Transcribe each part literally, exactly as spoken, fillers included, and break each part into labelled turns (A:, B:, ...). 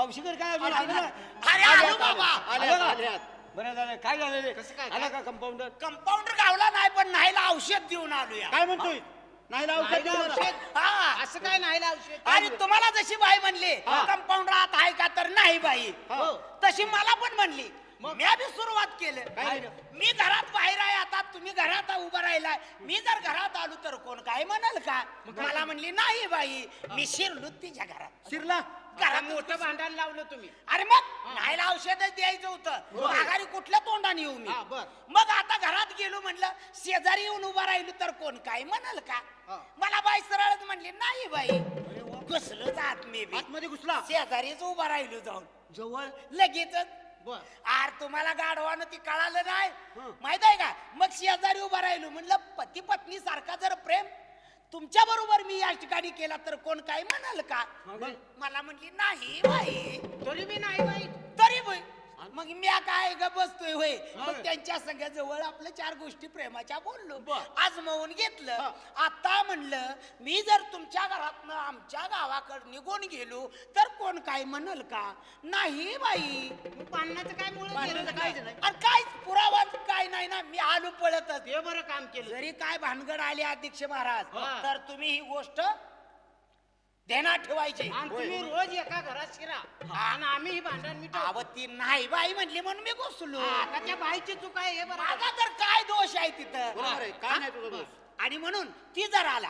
A: मावशीकडे काय
B: अरे
A: आलं?
B: अरे आलो बाबा.
A: आले का? बरं झालं. काय झालं रे?
B: कसं काय?
A: आला का कंपाऊंडर?
B: कंपाऊंडर गावला नाही पण नाहीला औषध देऊन आलो या.
A: काय म्हणतोय? नाही लावू
C: नाहीला औषध?
B: हा
C: असं काय नाही औषध?
B: आणि तुम्हाला जशी बाई म्हणली
A: हा.
B: कंपाऊंडर आत आहे का तर नाही बाई
A: हो.
B: तशी मला पण म्हणली. मी बी सुरुवात केलं.
A: काय झालं?
B: मी घरात बाहेर आहे आता तुम्ही घरात उभा राहिलाय मी जर घरात आलो तर कोण काय म्हणाल का मला म्हणली नाही बाई मी शिरलो तिच्या घरात
A: शिरला?
B: घरात
C: मोठं भांडण लावलं तुम्ही.
B: अरे मग नाहीला औषधच द्यायचं होतं माघारी कुठल्या तोंडाने येऊ मी
C: हा, बर.
B: मग आता घरात गेलो म्हणलं शेजारी येऊन उभा राहिलो तर कोण काय म्हणाल का
C: हा.
B: मला बाई सरळच म्हणली नाही बाई घुसलो जात मी बी
A: आतमध्ये घुसला?
B: शेजारीच उभा राहिलो जाऊन
A: जवळ
B: लगेचच
C: बर.
B: आर तुम्हाला गाढवानं ती कळालं नाही
A: हं.
B: माहित आहे का मग शेजारी उभा राहिलो म्हणलं पती पत्नी सारखा जर प्रेम तुमच्या बरोबर मी या ठिकाणी केला तर कोण काय म्हणाल का
A: मग?
B: मला म्हणली नाही बाई
C: तरी मी नाही बाई.
B: तरी बाई मग मी काय ग बसतोय होय
A: हा.
B: मग त्यांच्या संग जवळ आपल्या चार गोष्टी प्रेमाच्या बोललो
A: बर.
B: आजमावून घेतलं
A: हा.
B: आता म्हणलं मी जर तुमच्या घरातनं आमच्या गावाकडे निघून गेलो तर कोण काय म्हणल का नाही बाई
C: मग भांडणाचं काय मुळे
A: भांडणाचं काय नाही.
B: आणि काहीच पुरावा काय नाही ना मी आलो पळतच
C: हे बरं काम केलं.
B: जरी काय भानगड आली अध्यक्ष महाराज
C: हा.
B: तर तुम्ही ही गोष्ट ध्यानात ठेवायची
C: आणि तुम्ही रोज एका घरात शिरा आणि आम्ही ही भांडण मिटवतो.
B: अहो, ती नाही बाई म्हणली म्हणून मी घुसलो
C: आता त्या बाईची चूक आहे हे बरं.
B: माझा तर काय दोष आहे तिथं
A: बरोबर आहे. काय नाही तुझा दोष.
B: आणि म्हणून ती जर आला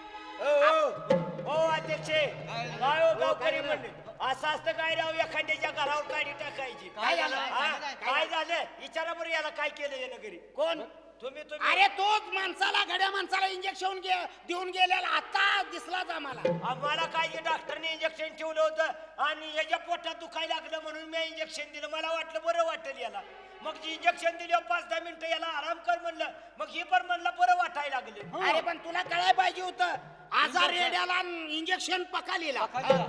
D: हो अध्यक्ष काय हो गावकरी म्हणले असं असतं काय राव एखाद्याच्या घरावर काढी टाकायची
B: काय झालं?
D: हा? काय झालं विचारा बरं याला काय केलं यानं घरी
B: कोण
D: तुम्ही तुम्ही
B: अरे तोच माणसाला घड्या माणसाला इंजेक्शन देऊन गेलेला आता दिसलाच आम्हाला
D: आम्हाला काय डॉक्टरने इंजेक्शन ठेवलं होतं आणि याच्या पोटात दुखायला लागलं म्हणून मी इंजेक्शन दिलं मला वाटलं बरं वाटेल याला मग जी इंजेक्शन दिलं पाच दहा मिनिटं याला आराम कर म्हणलं मग हे पण म्हणलं बरं वाटायला लागले
B: अरे पण तुला कळायला पाहिजे होतं आजार रेड्याला इंजेक्शन पकालीला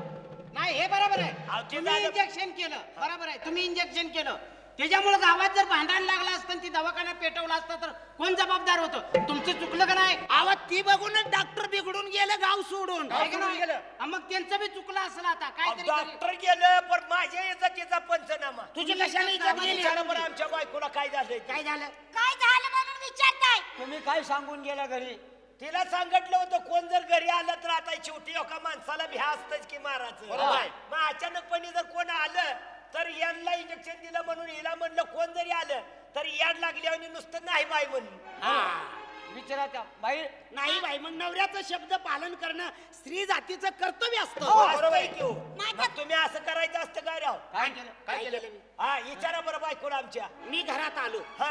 C: नाही हे बरोबर आहे.
D: अहो, ते
C: तुम्ही
D: झालं.
C: इंजेक्शन केलं बरोबर आहे. तुम्ही इंजेक्शन केलं त्याच्यामुळे गावात जर भांडण लागलं असतं आणि ती दवाखाना पेटवला असतं तर कोण जबाबदार होतं तुमचं चुकलं का नाही?
B: आवाज ती बघूनच डॉक्टर बिघडून गेलं गाव सोडून
C: आहे का नाही?
D: गेलं.
C: हा, मग त्यांचं बी चुकलं असलं आता काय तरी
D: डॉक्टर गेलं पण माझ्या इज्जतीचा पंचनामा
B: तुझी कशाने इज्जत गेली?
D: विचारा बरं आमच्या बायकोला काय झालंय ते.
B: काय झालं
E: काय झालं म्हणून विचारताय?
A: तुम्ही काय सांगून गेला घरी?
D: तिला सांगितलं होतं कोण जर घरी आलं तर आता शेवटी एका माणसाला भ्या असतच की मारायचं
A: बरोबर.
D: मग अचानकपणे जर कोण आलं तर यांना इंजेक्शन दिलं म्हणून हिला म्हणलं कोण जरी आलं तर याड लागली आणि नुसतं नाही बाई म्हणून
A: विचारा त्या बाई.
B: नाही बाई मग नवऱ्याचं शब्द पालन करणं स्त्री जातीचं कर्तव्य
D: हो,
B: असतं
D: बरोबर आहे की हो. मग तुम्ही असं करायचं असतं काय राव
A: काय केलं?
B: काय केलं मी?
D: हा विचारा बरं बायकोला आमच्या
B: मी घरात आलो
D: हा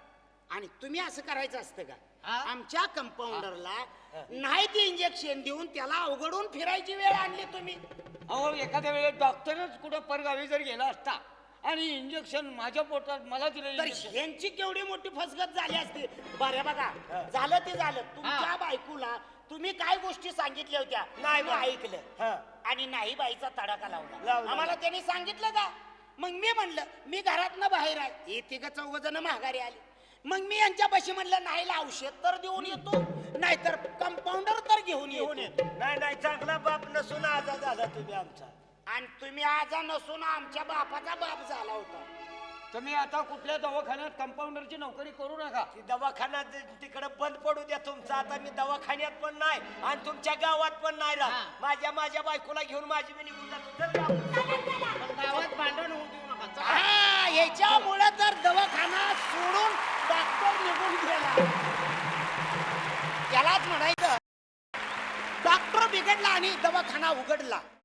B: आणि तुम्ही असं करायचं असतं का
C: हा?
B: आमच्या कंपाऊंडरला नाही ते इंजेक्शन देऊन त्याला अवघडून फिरायची वेळ आणली तुम्ही
A: अहो एखाद्या वेळेस डॉक्टरच कुठं परगावी जर गेला असता आणि इंजेक्शन माझ्या पोटात मला दिलं
B: तर
A: इंजेक्शन.
B: ह्यांची केवढी मोठी फसगत झाली असती बरं बघा झालं ते झालं तुमच्या बायकोला तुम्ही काय गोष्टी सांगितल्या होत्या
D: नाही
B: मी
D: बा.
B: ऐकलं
D: हा.
B: आणि नाही बाईचा तडाखा लावला
D: लावला.
B: आम्हाला त्यांनी सांगितलं का मग मी म्हणलं मी घरातनं बाहेर आहे हे तिघ चौघ जण माघारी आली मग मी यांच्यापाशी म्हणलं नाही औषध तर देऊन येतो नाहीतर कंपाऊंडर तर घेऊन
D: घेऊन
B: येतो
D: येतो नाही नाही चांगला बाप नसून आजा झाला तुम्ही आमचा
B: आणि तुम्ही आजा नसून आमच्या बापाचा बाप झाला होता
A: तुम्ही आता कुठल्या दवाखान्यात कंपाऊंडरची नोकरी करू नका.
D: ती दवाखाना तिकडे बंद पडू द्या तुमचा आता मी दवाखान्यात पण नाही आणि तुमच्या गावात पण नाही राहत माझ्या माझ्या बायकोला घेऊन माझी मी निघून जातो चल गावात.
C: पण गावात भांडण होऊ देऊ नका. चला.
B: हा याच्यामुळे तर दवाखाना सोडून डॉक्टर निघून गेला यालाच म्हणायचं डॉक्टर बिघडला आणि दवाखाना उघडला